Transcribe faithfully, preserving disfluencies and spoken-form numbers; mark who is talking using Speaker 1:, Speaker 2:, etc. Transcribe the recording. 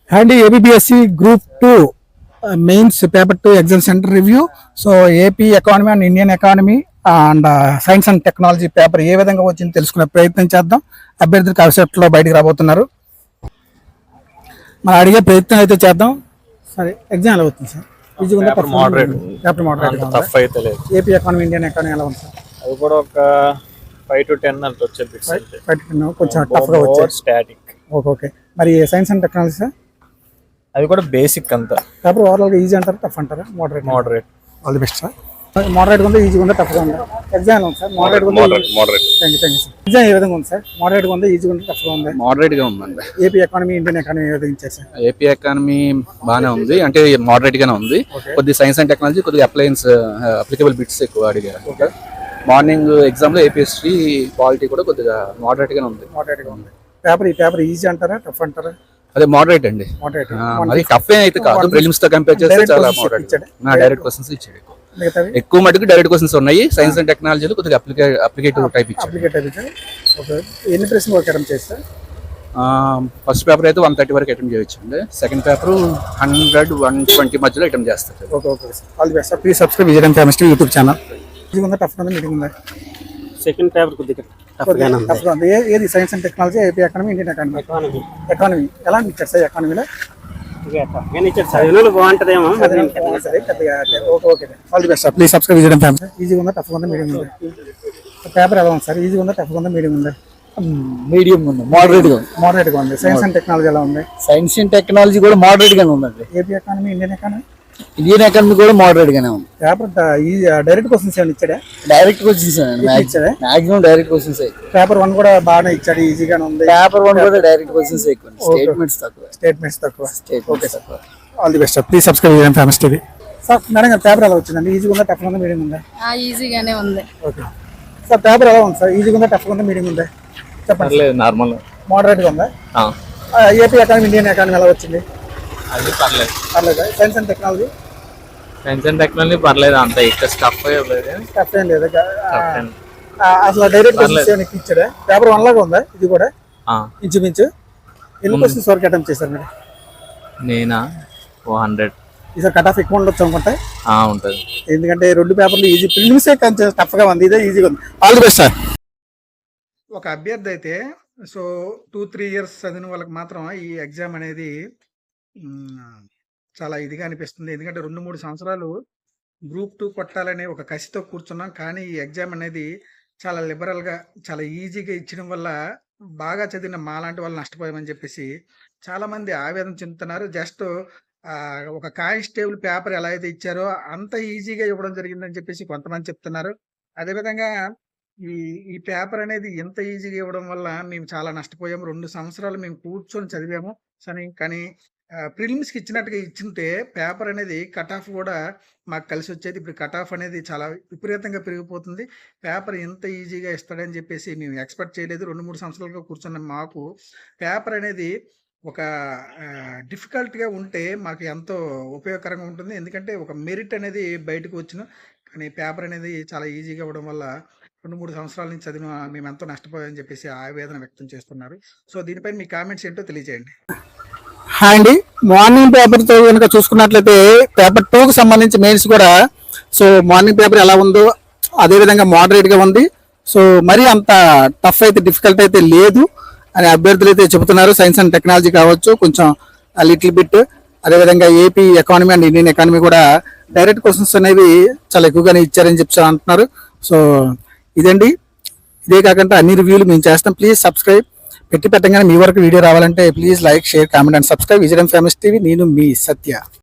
Speaker 1: And APPSC group two mains paper two exam centre review. So AP economy and Indian economy and science and technology paper ఏ విధంగా వచ్చింది తెలుసుకునే ప్రయత్నం చేద్దాం. అభ్యర్థులు కాన్సెప్ట్లో బయటకు రాబోతున్నారు, మనం అడిగే ప్రయత్నం అయితే చేద్దాం. సరే, ఎగ్జామ్ ఎలా అవుతుంది సార్? ఈజీగా పేపర్ మోడరేట్
Speaker 2: టఫ్ అయితే లేదు.
Speaker 1: ఏపీ ఎకానమీ ఇండియన్ ఎకానమీ ఎలా ఉంది సార్?
Speaker 2: అది కూడా ఒక ఫైవ్ టు టెన్ అంత వచ్చేది,
Speaker 1: ఫైవ్ టు టెన్ కొంచెం టఫ్గా వచ్చేది.
Speaker 2: స్టాటిక్.
Speaker 1: ఓకే ఓకే మరి సైన్స్ అండ్ టెక్నాలజీ సార్?
Speaker 2: అది కూడా బేసిక్ అంతా.
Speaker 1: పేపర్ ఓవరాల్గా ఈజీ అంటారా టఫ్ అంటారా? Moderate.
Speaker 2: Moderate.
Speaker 1: All the best sir. మోడరేట్గా ఉందా ఈజీగా ఉందా టఫ్గా ఉందా? ఎగ్జామ్ ఉంది సార్. మోడరేట్ ఉందా?
Speaker 2: Moderate.
Speaker 1: Thank you thank you sir. Exam ఏ విధంగా ఉంది సార్? మోడరేట్గా ఉందా ఈజీగా ఉందా టఫ్గా ఉందా?
Speaker 3: మోడరేట్ గా ఉందండి.
Speaker 1: ఏపీ ఎకానమీ ఇండియన్ ఎకానమీ ఏ విధంగా ఇచ్చారు సార్?
Speaker 3: ఏపీ ఎకానమీ బాగానే ఉంది, అంటే మోడరేట్ గానే ఉంది. కొద్ది సైన్స్ అండ్ టెక్నాలజీ, కొద్దిగా అప్లయన్స్ అప్లికబుల్ బిట్స్ ఎక్కువ అడిగారు. మార్నింగ్ ఎగ్జామ్ లో ఏపీ హిస్టరీ పాలిటీ కూడా కొద్దిగా మోడరేట్ గానే ఉంది.
Speaker 1: మోడరేట్ గా ఉంది. పేపర్ ఈ పేపర్ ఈజీ అంటారా టఫ్ అంటారా?
Speaker 3: అదే మోడరేట్ అండి.
Speaker 1: మోడరేట్.
Speaker 3: అది టఫ్ అయితే కాదు, ప్రిలిమ్స్ తో కంపేర్ చేస్తే చాలా మోడరేట్. డైరెక్ట్ క్వశ్చన్స్ ఇచ్చాడు. ఎక్కువ మటుకు డైరెక్ట్ క్వశ్చన్స్ ఉన్నాయి. సైన్స్ అండ్ టెక్నాలజీలో కొద్దిగా అప్లికే అప్లికేటివ్ టైప్ ఇచ్చాడు.
Speaker 1: అప్లికేటివ్ ఇచ్చాడు. ఓకే, ఎన్ని ప్రశ్నలు వర్క్ అటెంప్ట్ చేస్తారు?
Speaker 3: ఫస్ట్ పేపర్ అయితే వన్ థర్టీ వరకు అటెంప్ట్ చేయొచ్చు అండి. Second paper hundred one twenty మధ్యలో అటెంప్ట్ చేస్తారు.
Speaker 1: Okay okay sir. All the best sir. Please subscribe Vijayan chemistry YouTube channel. ఈజీగా ఉందా టఫ్ ఉందా మీటింగ్ ఉందా?
Speaker 4: సెకండ్ పేపర్ కొద్దిగా
Speaker 1: టఫ్గా ఉంది. ఏది science and technology, AP economy, Indian economy?
Speaker 4: Economy.
Speaker 1: Economy ఎలా ఇచ్చారు సార్? ఎకానమీలో
Speaker 4: చదివిన బాగుంటుందేమో.
Speaker 1: సరే పెద్దగా. Okay okay all the best sir. Please subscribe Vijayan family. ఈజీగా ఉందా టఫ్గా ఉందా మీడియం ఉందా? పేపర్ ఎలా ఉంది సార్? ఈజీగా ఉందా టఫ్గా ఉందా మీడియం ఉందా?
Speaker 3: మీడియం ఉంది, మోడరేట్ గా ఉంది.
Speaker 1: మోడరేట్ గా ఉంది. సైన్స్ అండ్ టెక్నాలజీ ఎలా ఉంది?
Speaker 3: సైన్స్ అండ్ టెక్నాలజీ కూడా మోడరేట్ గానే ఉందండి.
Speaker 1: AP economy, Indian economy?
Speaker 3: Indian economy కూడా మోడరేట్ గానే ఉంది.
Speaker 1: పేపర్ డైరెక్ట్ క్వశ్చన్స్ ఏమైనా ఇచ్చాడా?
Speaker 3: డైరెక్ట్ క్వశ్చన్స్
Speaker 1: ఇచ్చాడా?
Speaker 3: Maximum direct questions.
Speaker 1: Paper one కూడా బాగానే ఇచ్చాడు, ఈజీగానే ఉంది.
Speaker 3: పేపర్ వన్ కూడా డైరెక్ట్ క్వశ్చన్స్ ఎక్కువ, స్టేట్మెంట్స్ తక్కువ.
Speaker 1: స్టేట్మెంట్స్ తక్కువ.
Speaker 3: Okay sir.
Speaker 1: All the best sir. Please subscribe చేయండి ఫేమస్ టీవీ. సార్ మేడం గారు పేపర్ ఎలా వచ్చిందండి? ఈజీగా ఉందా టఫ్గా ఉందా మీడియం ఉందా?
Speaker 5: ఈజీగానే ఉంది.
Speaker 1: ఓకే సార్, పేపర్ ఎలా ఉంది సార్? ఈజీగా ఉందా టఫ్గా ఉందా మీడియం ఉందా? చెప్పండి.
Speaker 2: నార్మల్
Speaker 1: మోడరేట్ గా ఉందా? ఏపీ ఎకానమీ, ఇండియన్ ఎకానమీ ఎలా వచ్చింది?
Speaker 2: అది పర్లేదు.
Speaker 1: పర్లేదా? Science and technology?
Speaker 2: Science and technology పర్లేదు, అంత ఎక్కువ స్టఫ్ లేదు.
Speaker 1: టఫ్ ఏం లేదు. అసలు డైరెక్ట్ క్వశ్చన్స్ ఏమైనా ఇచ్చాడా? పేపర్ వన్ లాగా ఉందా ఇది కూడా ఇంచుమించు? ఎన్ని క్వశ్చన్స్ వరకు అటెంప్ట్ చేశారు మీరు?
Speaker 2: నేనా ఓ హండ్రెడ్.
Speaker 1: ఈసారి కట్ ఆఫ్ ఎక్కువ ఉండొచ్చు అనుకుంటా.
Speaker 2: ఉంటుంది,
Speaker 1: ఎందుకంటే రెండు పేపర్లు ఈజీ, ప్రిలిమ్సే కొంచెం టఫ్గా ఉంది, ఇదే ఈజీగా ఉంది. All the best sir. ఒక అభ్యర్థి అయితే సో టూ త్రీ ఇయర్స్ చదివిన వాళ్ళకి మాత్రం ఈ ఎగ్జామ్ అనేది చాలా ఇదిగా అనిపిస్తుంది. ఎందుకంటే రెండు మూడు సంవత్సరాలు గ్రూప్ టూ కొట్టాలనే ఒక కసితో కూర్చున్నాం, కానీ ఈ ఎగ్జామ్ అనేది చాలా లిబరల్గా చాలా ఈజీగా ఇచ్చడం వల్ల బాగా చదివిన మాలాంటి వాళ్ళు నష్టపోయామని చెప్పేసి చాలామంది ఆవేదన చెందుతున్నారు. జస్ట్ ఒక కానిస్టేబుల్ పేపర్ ఎలా అయితే ఇచ్చారో అంత ఈజీగా ఇవ్వడం జరిగిందని చెప్పేసి కొంతమంది చెప్తున్నారు. అదేవిధంగా ఈ ఈ పేపర్ అనేది ఎంత ఈజీగా ఇవ్వడం వల్ల మేము చాలా నష్టపోయాము. రెండు సంవత్సరాలు మేము కూర్చొని చదివాము సరే, కానీ ప్రిలిమ్స్కి ఇచ్చినట్టుగా ఇచ్చింటే పేపర్ అనేది కట్ ఆఫ్ కూడా మాకు కలిసి వచ్చేది. ఇప్పుడు కట్ ఆఫ్ అనేది చాలా విపరీతంగా పెరిగిపోతుంది. పేపర్ ఎంత ఈజీగా ఇస్తాడని చెప్పేసి మేము ఎక్స్పెక్ట్ చేయలేదు. రెండు మూడు సంవత్సరాలుగా కూర్చున్న మాకు పేపర్ అనేది ఒక డిఫికల్ట్గా ఉంటే మాకు ఎంతో ఉపయోగకరంగా ఉంటుంది. ఎందుకంటే ఒక మెరిట్ అనేది బయటకు వచ్చిన, కానీ పేపర్ అనేది చాలా ఈజీగా ఇవ్వడం వల్ల రెండు మూడు సంవత్సరాల నుంచి చదివిన మేము ఎంతో నష్టపోయామని చెప్పేసి ఆవేదన వ్యక్తం చేస్తున్నారు. సో దీనిపైన మీ కామెంట్స్ ఏంటో తెలియజేయండి. హాయ్ అండి, మార్నింగ్ పేపర్తో కనుక చూసుకున్నట్లయితే పేపర్ టూకి సంబంధించి మెయిన్స్ కూడా సో మార్నింగ్ పేపర్ ఎలా ఉందో అదేవిధంగా మోడరేట్గా ఉంది. సో మరీ అంత టఫ్ అయితే డిఫికల్ట్ అయితే లేదు అని అభ్యర్థులు అయితే చెబుతున్నారు. సైన్స్ అండ్ టెక్నాలజీ కావచ్చు కొంచెం లిటిల్ బిట్, అదేవిధంగా AP economy and Indian economy కూడా డైరెక్ట్ క్వశ్చన్స్ అనేవి చాలా ఎక్కువగానే ఇచ్చారని చెప్పి అంటున్నారు. సో ఇదండి, ఇదే కాకుండా అన్ని రివ్యూలు మేము చేస్తాం. Please subscribe. పెట్టి పెట్టగానే మీ వరకు వీడియో రావాలంటే please like, share, comment and subscribe. Vijayan famous TV. నేను మీ సత్య.